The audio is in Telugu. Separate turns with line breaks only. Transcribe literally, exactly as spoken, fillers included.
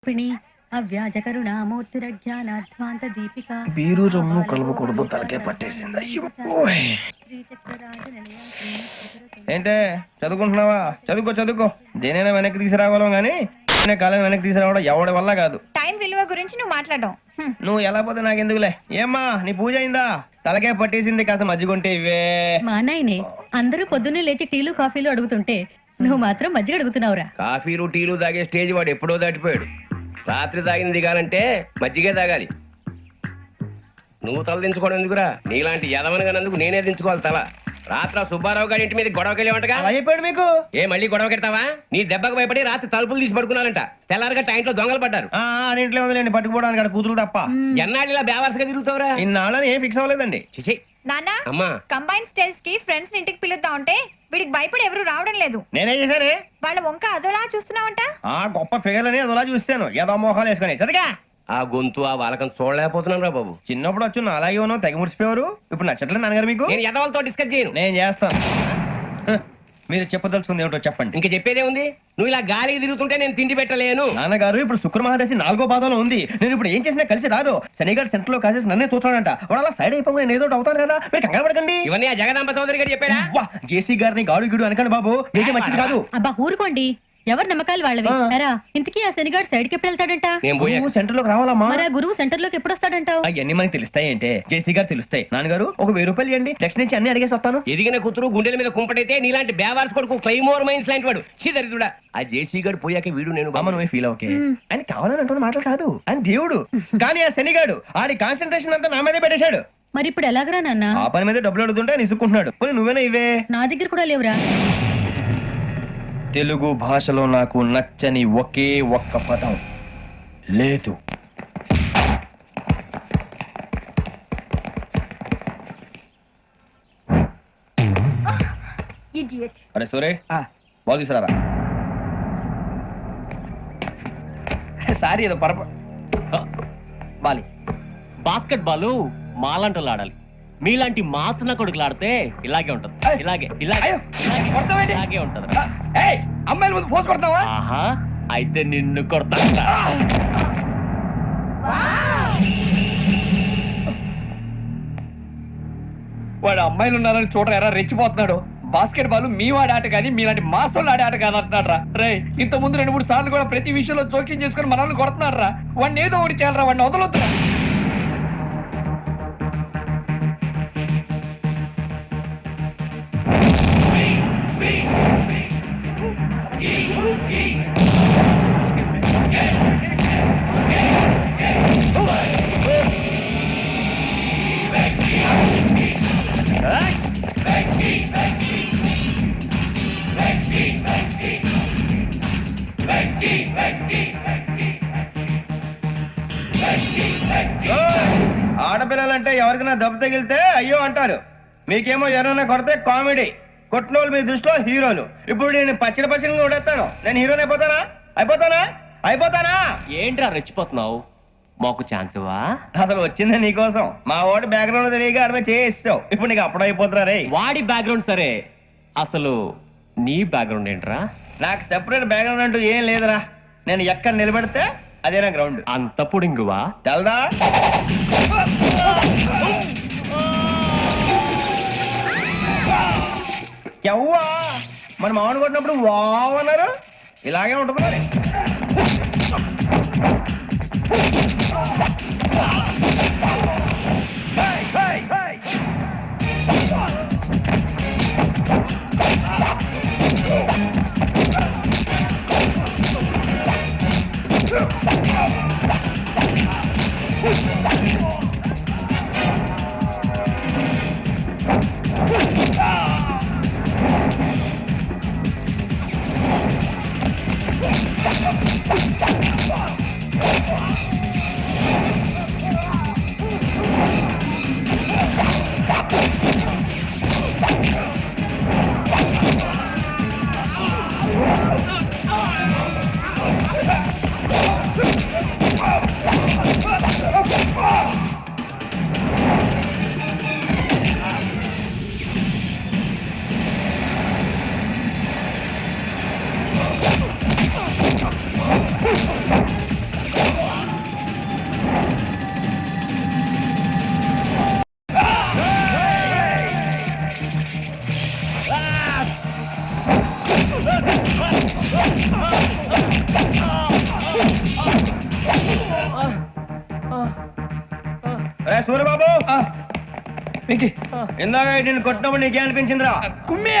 అవ్యాజ కరుణామూర్తిరజ్ఞానాధ్వాంత దీపిక
బీరు రొమ్ము కలుపుకూడదు తలకే పట్టేసింది. అయ్యో ఏంటే చదువుకుంటున్నావా? చదువుకో చదువుకో దేనైనా వెనక్కి తీసుకురావాలం గానీ కాలం వెనక్కి తీసుకురావడం ఎవడి వల్ల కాదు.
టైం విలువ గురించి నువ్వు మాట్లాడడం
నువ్వు ఎలా పోతే నాకెందుకులే. ఏమ్మా నీ పూజ అయిందా? తలకే పట్టేసింది, కాస్త మజ్జిగుంటే ఇవే.
మా నాయనే అందరూ పొద్దున్నే లేచి టీలు కాఫీలు అడుగుతుంటే నువ్వు మాత్రం మజ్జిగ అడుగుతున్నావురా.
కాఫీలు టీలు తాగే స్టేజ్ వాడు ఎప్పుడో దాటిపోయాడు. రాత్రి తాగింది దిగాలంటే మజ్జిగే తాగాలి. నువ్వు తల దించుకోవడం ఎందుకురా? నీలాంటి యదవనగానందుకు నేనే దించుకోవాలి తల. రాత్ర సుబ్బారావు గారి ఇంటి మీద గొడవకి వెళ్ళేవంటగా.
అలా చెప్పాడు మీకు?
ఏ మళ్ళీ గొడవ కెడతావా? నీ దెబ్బకు భయపడి రాత్రి తలుపులు తీసి పడుకున్నారంట. తెల్లారగా టైంట్లో దొంగలు పడ్డారు.
ఇంట్లో ఉందిలేండి పట్టుకుపోవడానికి, అక్కడ కూతురు తప్ప.
ఎన్నాళ్ళు ఇలా బేవర్స్గా తిరుగుతావురా?
ఇన్నాళ్ళని ఏం ఫిక్స్ అవ్వలేదండి.
చిచి
నాన్న,
అమ్మా
కంబైన్ స్టైల్స్ కి ఫ్రెండ్స్ ఇంటికి పిలుద్దాం అంటే వీడికి భయపడి ఎవరు రావడం లేదు.
నేనేం చేశానే?
వాళ్ళ వంక అదోలా చూస్తున్నావంట.
ఆ గొప్ప ఫిగర్ అని అదోలా చూస్తాను. ఏదో మోహాలు వేసుకొని చదిగా
ఆ గొంతు ఆ వాలకం చూడలేకపోతున్నాను రా బాబు.
చిన్నప్పుడు వచ్చి నా అలాగే ఉన్నావు, తెగ ముడిచిపోయారు. ఇప్పుడు నచ్చట్లేదు నాన్నగారు మీకు?
నేను యదవలతో డిస్కస్ చేయను.
నేను చేస్తాను. మీరు చెప్పదలుచుకుంది ఏమిటో చెప్పండి.
ఇంకా చెప్పేదే ఉంది. నువ్వు ఇలా గాలికి తిరుగుతుంటే నేను తిండి పెట్టలేను.
నాన్నగారు ఇప్పుడు శుక్ర మహాదశి నాలుగో పాదంలో ఉంది. నేను ఇప్పుడు ఏం చేసినా కలిసి రాదు. శనిగారు సెంటర్ లో కాసేసి నన్నే చూస్తాడంట. వాడు అలా సైడ్ అయిపోయి నేను ఏదో అవుతాను కదా, మీరు కంగారు పడకండి.
ఇవన్నీ ఆ జగదాంబ చౌదరి గారు చెప్పాడా?
జేసీ గారిని గాడు గిడు అనకండి బాబు, మీకే మంచిది కాదు.
అబ్బా ఊరుకోండి, ఎవరు నమ్మకాలు వాళ్ళవి. ఇంతకీ ఆ శనిగాడు సైడ్ కి ఎప్పుడు వెళ్తాడంట?
సెంటర్ లోకి రావాలమ్మా.
మరి ఆ గురువు సెంటర్ లోకి ఎప్పుడు వస్తాడంటావు?
అవన్నీ మనకి తెలుస్తాయి అంటే జేసీ గారు తెలుస్తాయి. నాన్నగారు ఒక వెయ్యి రూపాయలు ఇవ్వండి, నెక్స్ట్ నుంచి అన్ని అడిగేసి వస్తాను.
ఎదిగిన కూతురు గుండెల మీద కుంపటైతే నీలాంటి బేవార్స్ కొడుకు క్లైమోర్ మైన్స్ లాంటి వాడు చీదరిదుడా. ఆ జేసీ గారు పోయాక వీడు నేను
బామ్మ నువ్వే ఫీల్ ఓకే. ఆయన కావాలని అంటున్న మాటలు కాదు, ఆయన దేవుడు. కానీ ఆ శనిగాడు ఆడి కాన్సన్ట్రేషన్ అంతా నా మీదే పెట్టేశాడు.
మరి ఇప్పుడు ఎలాగరా నాన్న?
ఆ పని మీద డబ్బులు అడుగుతుంటే ఆయన ఇసుక్కుంటున్నాడు. పోనీ నువ్వేనా ఇవే?
నా దగ్గర కూడా లేవురా.
తెలుగు భాషలో నాకు నచ్చని ఒకే ఒక్క పదం లేదు. అరే సూరే, బాల్ తీసుకురారా.
సారీ ఏదో పరప బాలి. బాస్కెట్ బాల్ మాలాంటి ఆడాలి. మీలాంటి మాసన కొడుకులు ఆడితే ఇలాగే ఉంటది. ఇలాగే ఇలాగే ఇలాగే ఉంటది.
అమ్మాయిల ముందు ఫోర్స్ కొడతావా?
ఆహా, అయితే నిన్ను కొడతా.
వాడు అమ్మాయిలు ఉన్నారని చూడరా ఎరా రెచ్చిపోతున్నాడు. బాస్కెట్ బాల్ మీ వాడి ఆట కానీ మీలాంటి మాసోళ్ళు ఆడే ఆట కాదు అంటున్నాడు రా. రే ఇంత ముందు రెండు మూడు సార్లు కూడా ప్రతి విషయంలో జోక్యం చేసుకుని మనల్ని కొడుతున్నాడు రా. వాడిని ఏదో ఒకటి చేయాలరా, వాడిని వదలొద్దురా.
ఆడపిల్లలంటే ఎవరికైనా దెబ్బ తగిలితే అయ్యో అంటారు, మీకేమో ఎవరైనా కొడితే కామెడీ. కొట్టినోళ్ళు మీ దృష్టిలో హీరోలు. ఇప్పుడు నేను పచ్చడి పచ్చడి కొడేస్తాను, నేను హీరోని అయిపోతానా? అయిపోతానా? అయిపోతానా?
ఏంట్రా రెచ్చిపోతున్నావు? మాకు ఛాన్స్ ఇవ్వా?
అసలు వచ్చిందే నీకోసం. మా వాడి బ్యాక్గ్రౌండ్ తెలియక అడమే చేయిస్తావు. ఇప్పుడు నీకు అప్పుడు అయిపోతున్నా రే.
వాడి బ్యాక్గ్రౌండ్ సరే, అసలు నీ బ్యాక్గ్రౌండ్ ఏంట్రా?
నాకు సెపరేట్ బ్యాక్గ్రౌండ్ అంటూ ఏం లేదురా. నేను ఎక్కడ నిలబెడితే అదే నా గ్రౌండ్.
అంత పుడింగువా?
తెల్దా? ఎవ్వా మన మామిడి కొట్టినప్పుడు వావ్ అన్నారు, ఇలాగే ఉంటుంది మరి.
Oh!
రే సూర్యబాబు
వెంకీ
ఇందాక నేను కొట్టినప్పుడు నీకే అనిపించిందిరా
కుమ్మి